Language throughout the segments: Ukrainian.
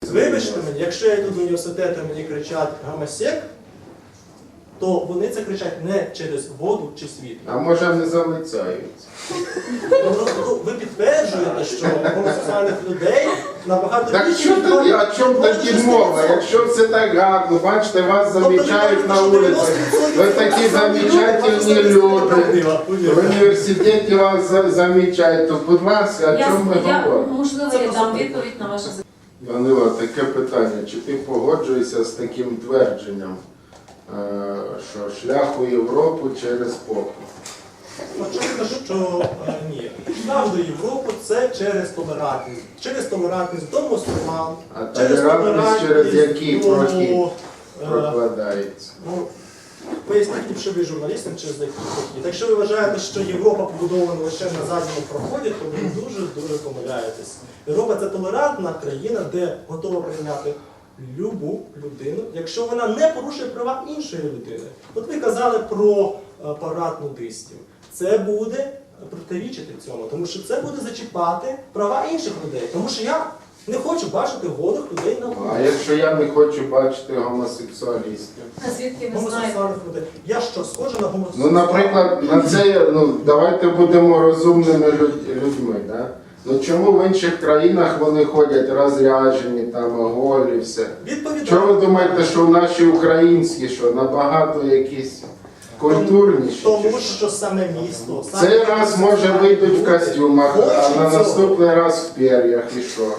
Вибачте мені, якщо я йду до університету і мені кричать «гомосек», то вони це кричать не через воду чи світло. А може не залицяються? Ви підтверджуєте, що гомосексуальних людей набагато Так більше... що тоді, о чому тоді мова? Якщо все так гарно, бачите, вас замічають на вулиці, ви такі замечательні люди, в університеті вас замічають, то будь ласка, о чому ми говоримо? Можливо, я дам відповідь на ваше запитання. Данило, таке питання, чи ти погоджуєшся з таким твердженням, що шлях у Європу через попу? Очевидно, що ні. Шлях до Європи – це через толерантність. Через толерантність до мусульман, А толерантність через який прохід прокладається? Поясніть ліпше ви журналістам, через який прохід. Якщо ви вважаєте, що Європа побудована лише на задньому проході, то ви дуже помиляєтесь. Європа – це толерантна країна, де готова прийняти любу людину, якщо вона не порушує права іншої людини. От ви казали про парад нудистів. Це буде протирічити цьому, тому що це буде зачіпати права інших людей. Тому що я не хочу бачити голих людей на вулиці. А якщо я не хочу бачити гомосексуалістів? А звідки ви знаєте? Гомосексуальних людей. Я що, схожа на гомосексуалів? Ну, наприклад, на це, давайте будемо розумними людьми, да? Ну чому в інших країнах вони ходять розряджені, там, голі, все? Чому ви думаєте, що в наші українські, що набагато якісь культурніші? Тому що саме місто... Цей раз, може, вийдуть в костюмах, а на наступний раз в пер'ях, і що?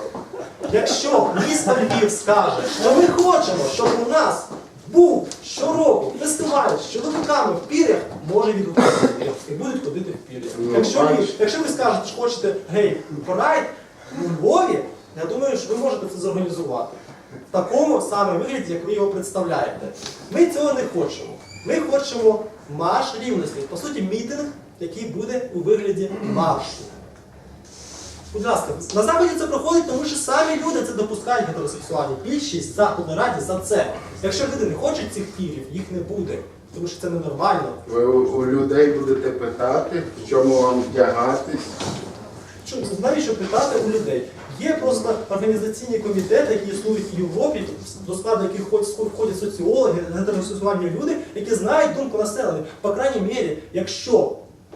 Якщо місто Львів скаже, що ми хочемо, щоб у нас був щороку фестиваль з чоловіками в пір'ях, може відгукнутися і будуть ходити в пір'ях. Якщо ви скажете, що хочете гей-прайд у Львові, я думаю, що ви можете це зорганізувати. В такому саме вигляді, як ви його представляєте. Ми цього не хочемо. Ми хочемо марш рівності. По суті, мітинг, який буде у вигляді маршу. Будь ласка, на Заході це проходить, тому що самі люди це допускають гетеросексуальні. Більшість Заходу раді за це. Якщо люди не хочуть цих пірів, їх не буде. Тому що це ненормально. Ви у людей будете питати, в чому вам вдягатись? Навіщо питати у людей? Є просто організаційні комітети, які існують в Європі, до складу яких входять соціологи, гетеросексуальні люди, які знають думку населення. По крайній мірі, якщо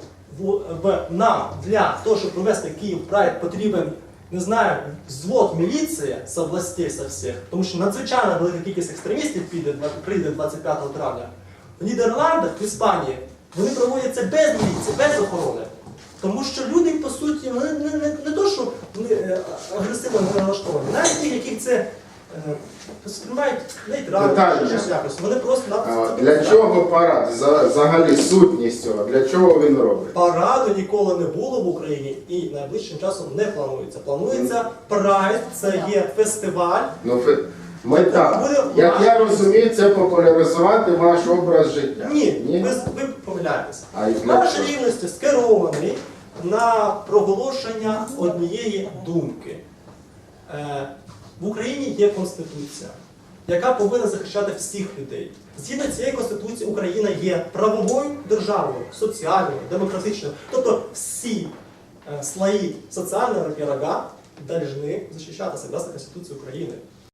нам для того, щоб провести Київ Прайд, потрібен, не знаю, взвод міліції з областей, со всіх, тому що надзвичайно велика кількість екстремістів прийде 25 травня, в Нідерландах, в Іспанії, вони проводяться без міліції, без охорони. Тому що люди, по суті, вони не то, що вони агресивно налаштовані, навіть ті, яких це сприймають нейтрально, щось якось. Вони просто Для чого парад? Взагалі сутність цього, для чого він робить? Параду ніколи не було в Україні і найближчим часом не планується. Планується прайд, це є фестиваль. Мета, як я розумію, це популяризувати ваш образ життя. Ні? Ви помиляєтеся. Марш рівності скерований на проголошення однієї думки. В Україні є Конституція, яка повинна захищати всіх людей. Згідно цієї Конституції Україна є правовою державою, соціальною, демократичною. Тобто всі слої соціального пирога повинні захищатися согласно Конституції України.